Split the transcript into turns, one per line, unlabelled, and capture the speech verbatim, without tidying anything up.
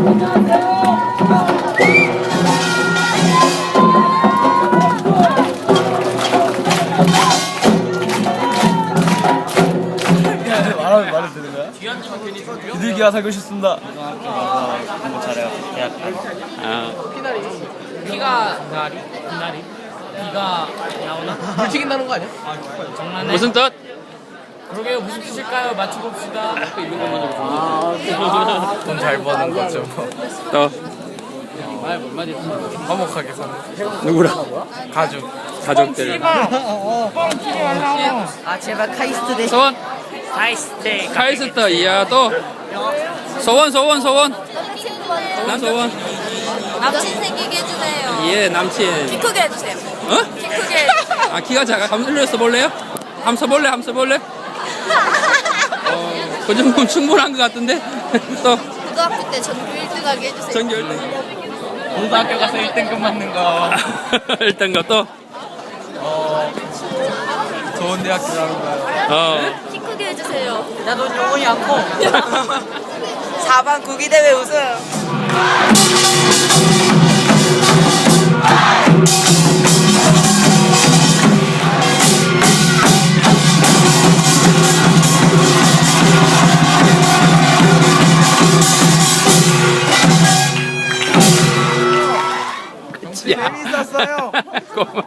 말하면 말해도 되는 거야? 비둘기가 살고 싶습니다.
공부 잘해가지고 대학 아
비가 나리? 비나리? 비가 나오나?
물 튀긴다는 거 아니야?
장난해?
무슨 뜻?
그러게요. 무슨 뜻일까요? 맞춰봅시다.
돈 잘 버는 거죠.
또
말뭔 말이야?
화목하게 사는
누구랑?
가족.
가족들
아 제발 카이스트 대
소원
카이스테.
카이스트 이야 또 소원 소원 소원 난 소원
남친 생기게 해주세요.
예 남친
키 크게 해주세요.
어?
키 크게 해주세요.
아 키가 작아 한번 흘려 써볼래요? 한번 써볼래? 한번 써볼래? 어, 그 정도면 충분한 것 같은데 또
고등학교 때 전교 일 등 하게 해주세요.
전교 일 등
고등학교 가서 일 등급 맞는 거.
일단 것도
어, 좋은 대학교 가는 거야.
어
키 크게 해주세요.
나돈 영혼이 안 커. 사 반 구기대회 우승.
야.
재밌었어요.
고마워.